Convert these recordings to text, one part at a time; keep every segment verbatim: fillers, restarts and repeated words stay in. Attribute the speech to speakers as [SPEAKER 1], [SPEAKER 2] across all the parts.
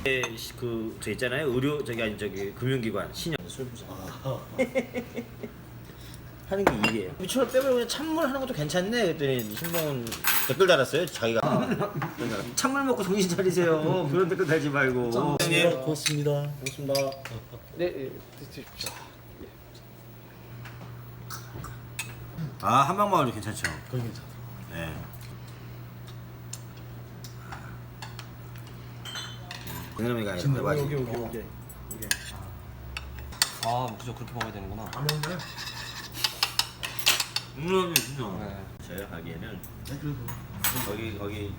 [SPEAKER 1] 그 저 있잖아요. 의료 저기 아니 저기 금융기관 신용 술부자 하는 게 일이에요. 미추홀 빼버리고 그냥 찬물 하는 것도 괜찮네. 그랬더니 신봉은 댓글 달았어요. 자기가 찬물 먹고 정신 차리세요. 그런 댓글 달지 말고.
[SPEAKER 2] 고맙습니다. 고맙습니다.
[SPEAKER 3] 고맙습니다. 네, 드십시오.
[SPEAKER 1] 아 한방마을도 괜찮죠.
[SPEAKER 2] 거기 괜찮아.
[SPEAKER 1] 네. 그놈이가
[SPEAKER 2] 지금
[SPEAKER 1] 대박이지.
[SPEAKER 2] 여기 여기 여기.
[SPEAKER 3] 아, 무조건 그렇게 먹어야 되는구나.
[SPEAKER 2] 안 먹네.
[SPEAKER 1] 음, 진짜.
[SPEAKER 3] 네.
[SPEAKER 1] 제가 가기에는
[SPEAKER 2] 네, 그래도
[SPEAKER 1] 거기 거기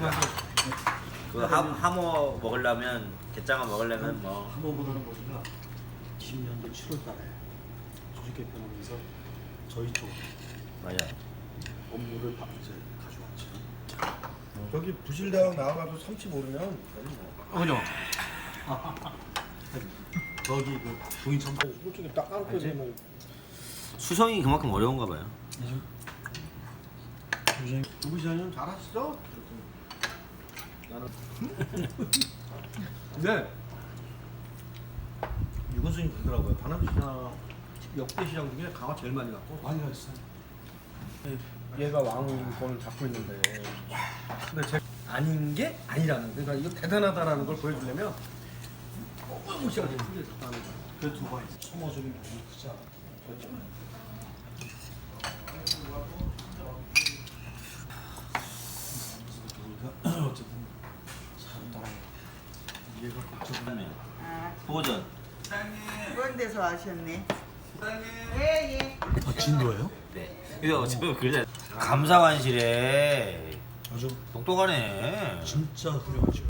[SPEAKER 1] 그 하, 하모 먹으려면 게장어 먹으려면 뭐
[SPEAKER 2] 한번보다는 거기가 이십 년도 칠월 달에 조직 개편하면서 저희 쪽
[SPEAKER 1] 맞아.
[SPEAKER 2] 업무를 바- 이제 가져왔죠. 여기 부실대학 나와가지고 삼치 모르면 거기 뭐.
[SPEAKER 3] 그죠?
[SPEAKER 2] 저기 그 부인천 이쪽에 딱 깔고 있는
[SPEAKER 1] 수성이 그만큼 어려운가 봐요.
[SPEAKER 2] 부부시장님 잘하시죠? 나는 근데 유건수님 그러더라고요. 반암시장 역대 시장 중에 강화 제일 많이 갔고 많이 갔어요. 얘가 왕권을 잡고 있는데 근데 제 아닌 게 아니라는 그러니까 이거 대단하다라는 걸 보여주려면 너무 시간이 크게 잡다는 거야. 그 두 번 소모적인 부분이 크지 않아. 그렇죠. 어쨌든 사람 따라 이해가 걱정하네.
[SPEAKER 4] 아,
[SPEAKER 1] 보전.
[SPEAKER 4] 그런 데서 하셨네. 예, 예.
[SPEAKER 2] 아 진도예요?
[SPEAKER 1] 네. 이거 어차피 그래. 감사관실에
[SPEAKER 2] 아주
[SPEAKER 1] 똑똑하네.
[SPEAKER 2] 진짜 훌륭하죠.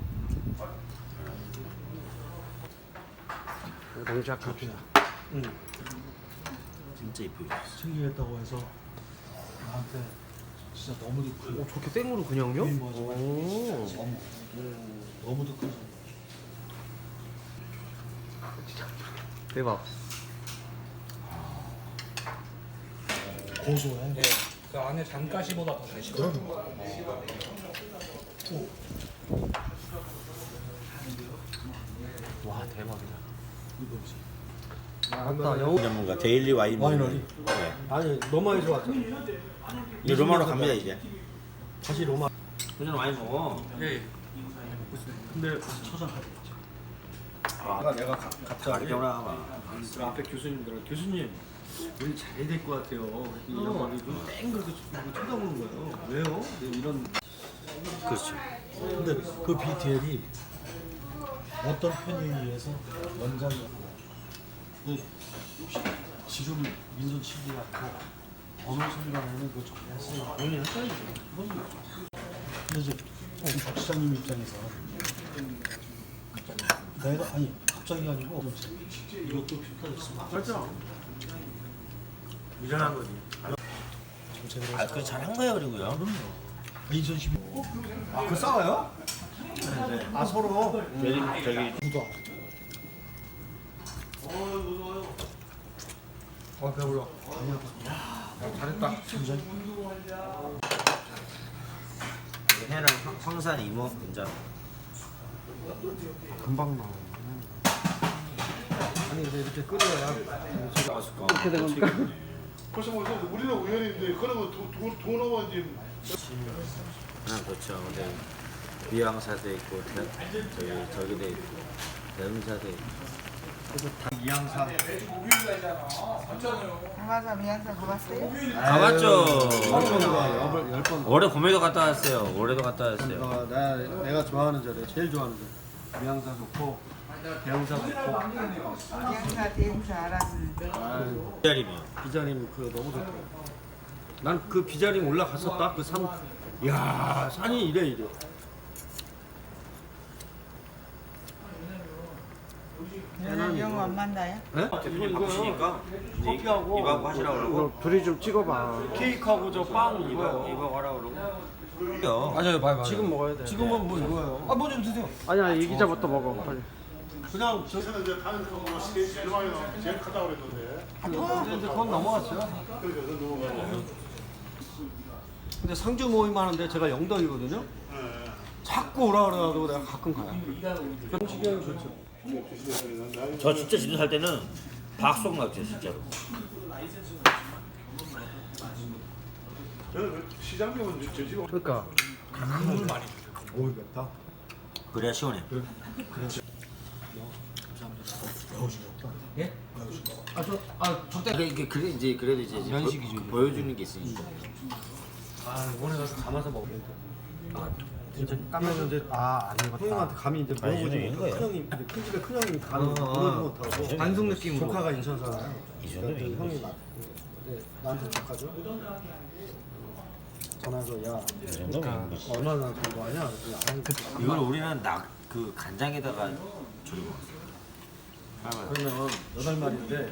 [SPEAKER 3] 동작 갑시다.
[SPEAKER 2] 응.
[SPEAKER 1] 진짜 이쁘게.
[SPEAKER 2] 챙기겠다고 해서 나한테 진짜 너무도 큰
[SPEAKER 3] 오, 저렇게 생으로 그냥요?
[SPEAKER 2] 오.
[SPEAKER 3] 오.
[SPEAKER 2] 너무도 큰
[SPEAKER 3] 대박.
[SPEAKER 2] 고소해.
[SPEAKER 5] 네, 그 안에 잔가시보다 더 달시고.
[SPEAKER 3] 와, 대박이다.
[SPEAKER 2] 이거지.
[SPEAKER 3] 맞다. 영어.
[SPEAKER 1] 전문가 데일리 와인.
[SPEAKER 2] 와이너리.
[SPEAKER 1] 네.
[SPEAKER 2] 아니 로마에서 왔잖아.
[SPEAKER 1] 이제 로마로 갑니다 이제.
[SPEAKER 2] 다시 로마.
[SPEAKER 1] 그전 와인 먹어.
[SPEAKER 3] 예.
[SPEAKER 2] 근데 처장하겠지. 아, 내가 가, 갑자기
[SPEAKER 1] 가르쳐라.
[SPEAKER 2] 그 앞에 교수님들 교수님 우리 잘해야 될 것 같아요. 이런 말이 땡 그렇게 쳐다보는 거예요. 왜요? 네, 이런.
[SPEAKER 1] 그렇죠.
[SPEAKER 2] 근데 그 비티엘이 어떤 편의에 의해서 원장이 근데 지금 민선 치기 같고 어느 순간에는 그 정했어요. 본인 헷갈리죠. 근데 이제 박 시장님 입장에서 내가 아니 갑자기 아니고 이것도 평가됐으면
[SPEAKER 1] 그렇죠. 미련한 거지.
[SPEAKER 2] 정책을
[SPEAKER 1] 아, 그 잘한 거예요 그리고요.
[SPEAKER 2] 이천십이 아, 그 싸워요?
[SPEAKER 1] 네.
[SPEAKER 2] 아, 서로
[SPEAKER 1] 저기 저기
[SPEAKER 2] 묻어. 어, 배불러. 아니야. 잘했다. 진짜.
[SPEAKER 1] 해랑 황- 황산 이모 근접.
[SPEAKER 3] 금방 나와.
[SPEAKER 2] 아니, 근데 이렇게 끓여야
[SPEAKER 1] 이렇게 된 겁니까?
[SPEAKER 6] 벌써 뭐 우리는 우연인데 그러면 돈 오면 이제
[SPEAKER 1] 아 그렇죠. 근데 비양사도 있고 대, 저기 저기도 있고 대흥사도 있고.
[SPEAKER 2] 이양사.
[SPEAKER 4] 강화사 미양사 가봤어요?
[SPEAKER 1] 가봤죠.
[SPEAKER 2] 열번 열 번.
[SPEAKER 1] 올해 봄에도 갔다 왔어요. 올해도 갔다 왔어요.
[SPEAKER 2] 어, 나 내가 좋아하는 절에 제일 좋아하는 절. 미양사 좋고 대형사 좋고.
[SPEAKER 4] 미양사 대행사 알았는데.
[SPEAKER 1] 기다림이요.
[SPEAKER 2] 비자림 그 너무 좋더라고. 난 그 비자림 올라갔었다. 그 산. 야 산이 이래 이래.
[SPEAKER 4] 너는 영어 안 만나요?
[SPEAKER 2] 네?
[SPEAKER 1] 대표님 바쁘시니까
[SPEAKER 2] 커피하고
[SPEAKER 1] 이박 하시라고 그러고
[SPEAKER 3] 둘이 좀 찍어봐.
[SPEAKER 2] 케이크하고 저 빵
[SPEAKER 1] 이박
[SPEAKER 2] 이거.
[SPEAKER 1] 이박 하라고 그러고.
[SPEAKER 3] 맞아요, 봐요,
[SPEAKER 2] 지금
[SPEAKER 3] 먹어야 돼.
[SPEAKER 2] 지금은 뭐 이거예요. 아, 뭐 좀 드세요.
[SPEAKER 3] 아니야, 이 기자부터 먹어. 빨리.
[SPEAKER 2] 그냥 저
[SPEAKER 6] 저는 이제 다른 거뭐 제일 많이 나오는 제일 크다고 그랬는데
[SPEAKER 2] 근데 이제 그건 넘어갔어요.
[SPEAKER 6] 그래서 넘어가고
[SPEAKER 2] 근데 상주 모임 하는데 제가 영덕이거든요.
[SPEAKER 6] 예.
[SPEAKER 2] 자꾸 자꾸 오라 그래가지고 내가 가끔 가요. 경치경 좋죠.
[SPEAKER 1] 저 진짜 진도 살 때는 박송 낙지 진짜로.
[SPEAKER 6] 시장님은 저 지금
[SPEAKER 2] 그러니까
[SPEAKER 5] 국물 많이
[SPEAKER 2] 오 맵다.
[SPEAKER 1] 그래야 시원해.
[SPEAKER 2] 아저아 적대.
[SPEAKER 1] 그래 이게 그래 이제 그래도 이제 이제
[SPEAKER 2] 연식이죠,
[SPEAKER 1] 보-
[SPEAKER 2] 이게.
[SPEAKER 1] 보여주는 게 있으니까.
[SPEAKER 2] 아 이번에 가서 감아서 먹겠다. 아 진짜 까면 이제 아안 익었다. 형님한테 감이 이제
[SPEAKER 1] 아니,
[SPEAKER 2] 물어보지
[SPEAKER 1] 저는
[SPEAKER 2] 못하고
[SPEAKER 1] 이거예요.
[SPEAKER 2] 큰 형님 근데 큰 집에 큰 형님 감이
[SPEAKER 1] 어,
[SPEAKER 2] 물어보지
[SPEAKER 1] 어.
[SPEAKER 2] 못하고
[SPEAKER 1] 반숙
[SPEAKER 2] 느낌으로 조카가 인천 살아요.
[SPEAKER 1] 이 정도면
[SPEAKER 2] 그러니까
[SPEAKER 1] 이거지.
[SPEAKER 2] 형이 나 네, 나한테 조카죠. 전화해서 야
[SPEAKER 1] 이 정도면 이거지.
[SPEAKER 2] 얼마나 좋아하냐? 그랬더니 아니 그
[SPEAKER 1] 이걸 우리는 낙 그 간장에다가 졸여 먹었어.
[SPEAKER 2] 그러면 여덟 마리인데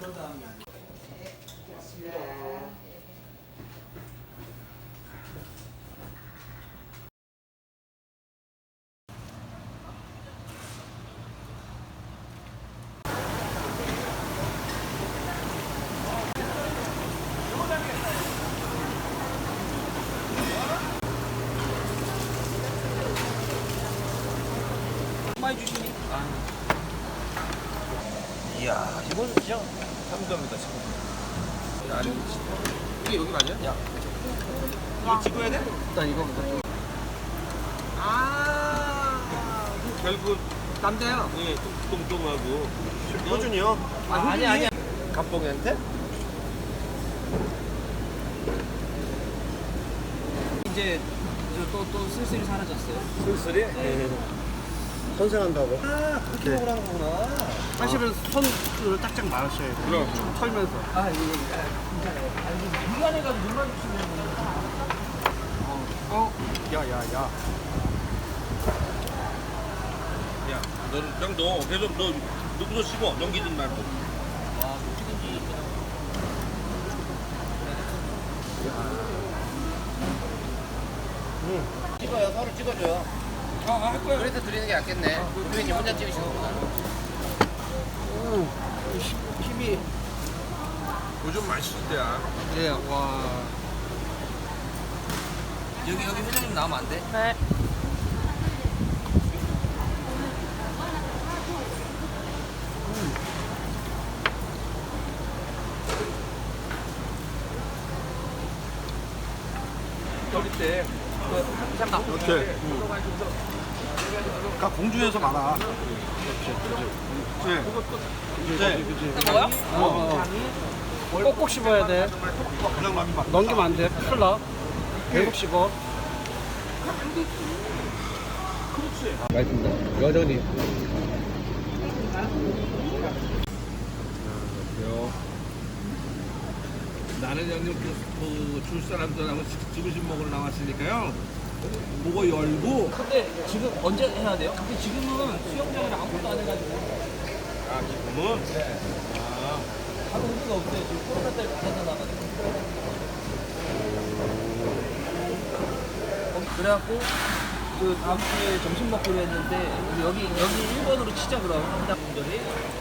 [SPEAKER 1] 이야 이건 진짜 삼점이다 지금.
[SPEAKER 2] 이게 여기 맞아요? 야
[SPEAKER 1] 이거 찍어야 돼?
[SPEAKER 2] 일단 이거부터 좀
[SPEAKER 1] 결국
[SPEAKER 2] 딴데요.
[SPEAKER 1] 예 뚱뚱하고 효준이요?
[SPEAKER 2] 아, 아니 아니
[SPEAKER 1] 갑봉이한테?
[SPEAKER 3] 이제 또또 슬슬 사라졌어요.
[SPEAKER 1] 술술이?
[SPEAKER 2] 선생한다고.
[SPEAKER 1] 아 그렇게 먹으라는 거구나.
[SPEAKER 3] 사실은 손을 딱딱 말았어야 돼. 좀 털면서.
[SPEAKER 2] 아 이거 괜찮아요. 아니 미간해가지고 눈만 주시면
[SPEAKER 3] 어, 야야야.
[SPEAKER 7] 야, 너는 그냥 너 계속 너 누구도 씹어 넘기지 말고.
[SPEAKER 8] 찍어요. 서로 찍어줘요.
[SPEAKER 7] 아, 할 거야.
[SPEAKER 8] 그래서 드리는 게 낫겠네. 교수님 혼자 찍으시는 거구나.
[SPEAKER 3] 힘이.
[SPEAKER 7] 요즘 맛있을 때야.
[SPEAKER 3] 예, 와.
[SPEAKER 8] 여기 여기 회장님 나오면 안 돼?
[SPEAKER 7] 어릴 때.
[SPEAKER 2] 이렇게. 그러니까 공중에서 말아. 그렇지. 그렇지. 그렇지.
[SPEAKER 8] 뭐야?
[SPEAKER 3] 어, 어. 꼭꼭 씹어야 돼.
[SPEAKER 2] 그냥 남이 막.
[SPEAKER 3] 넘기면 안 돼. 풀 나. 계속 씹어.
[SPEAKER 7] 맛있습니다. 여전히. 나는 형님 그줄 사람들하고 지그시 먹으러 나왔으니까요. 그거 열고.
[SPEAKER 8] 근데 지금 언제 해야 돼요? 근데 지금은 수영장이랑 아무것도 안 해가지고
[SPEAKER 7] 아 지금은.
[SPEAKER 8] 바로 의미가 없어요. 지금 코로나 때문에 안 해서 나가지고. 어, 그래갖고 그 다음 주에 점심 먹기로 했는데 여기 여기 일 번으로 치자 그럼 한당 분들이.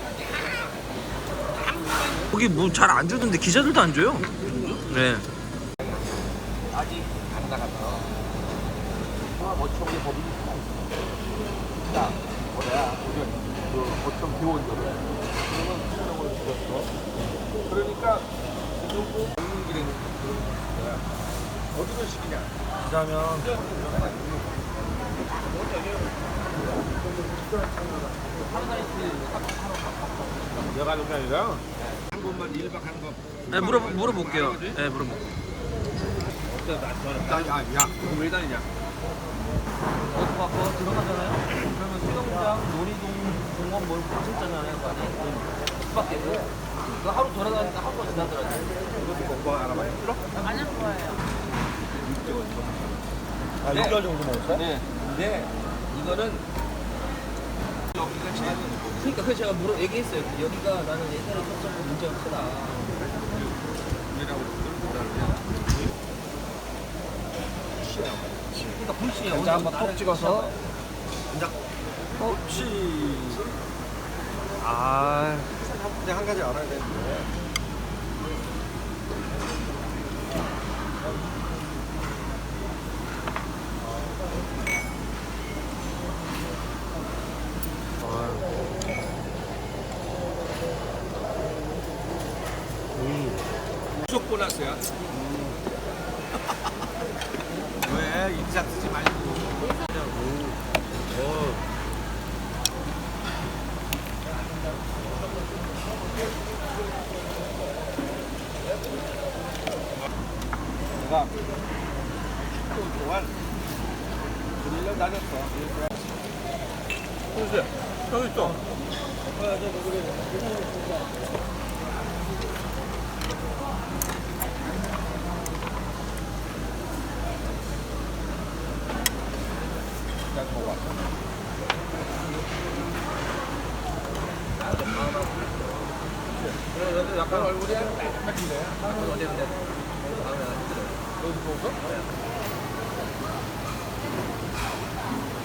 [SPEAKER 5] 거기 뭐 잘 안 주던데 기자들도 안 줘요. 네.
[SPEAKER 8] 아직 안 나갔어. 어촌의 법이 있다. 자, 뭐야? 그 어촌 기원들을 그러면 수령을 죽였어. 그러니까 이 정도 먹는 길에 그런 거야. 어디서 시키냐?
[SPEAKER 2] 그러면
[SPEAKER 7] 내가 하는 게 아니라 한 번만 일 박 한 거.
[SPEAKER 5] 네, 물어 물어볼게요. 네, 물어볼.
[SPEAKER 2] 야, 야.
[SPEAKER 7] 그럼 왜 다니냐?
[SPEAKER 8] 어디 가서 들어가잖아요. 그러면 수영장, 놀이동, 공원 뭘 괜찮잖아요, 그 안에. 그 밖에 그 하루 돌아다니까 하루가 지나더라고요.
[SPEAKER 7] 이것도 먹고 하나만 힘들어?
[SPEAKER 2] 아, 육 개월 정도 먹었어?
[SPEAKER 8] 네. 근데 이거는 여기가 제일 그러니까 그 제가 물어 얘기했어요. 여기가 나는 옛날에 쳤던 문제가 크다. 그러니까 불씨야.
[SPEAKER 3] 자, 한번 톡 찍어서.
[SPEAKER 2] 혹시
[SPEAKER 3] 아,
[SPEAKER 2] 근데 한 가지 알아야 되는데
[SPEAKER 7] 부쩍 보너스야.
[SPEAKER 2] 왜 인상 쓰지 말고. 내가 십 분 동안 일 년 다녔어.
[SPEAKER 7] 보세요. 여기 있어.
[SPEAKER 8] 그래도 약간 얼굴이 약간인데. 어디 근데 다음에 안 힘들어. 여기서 보고?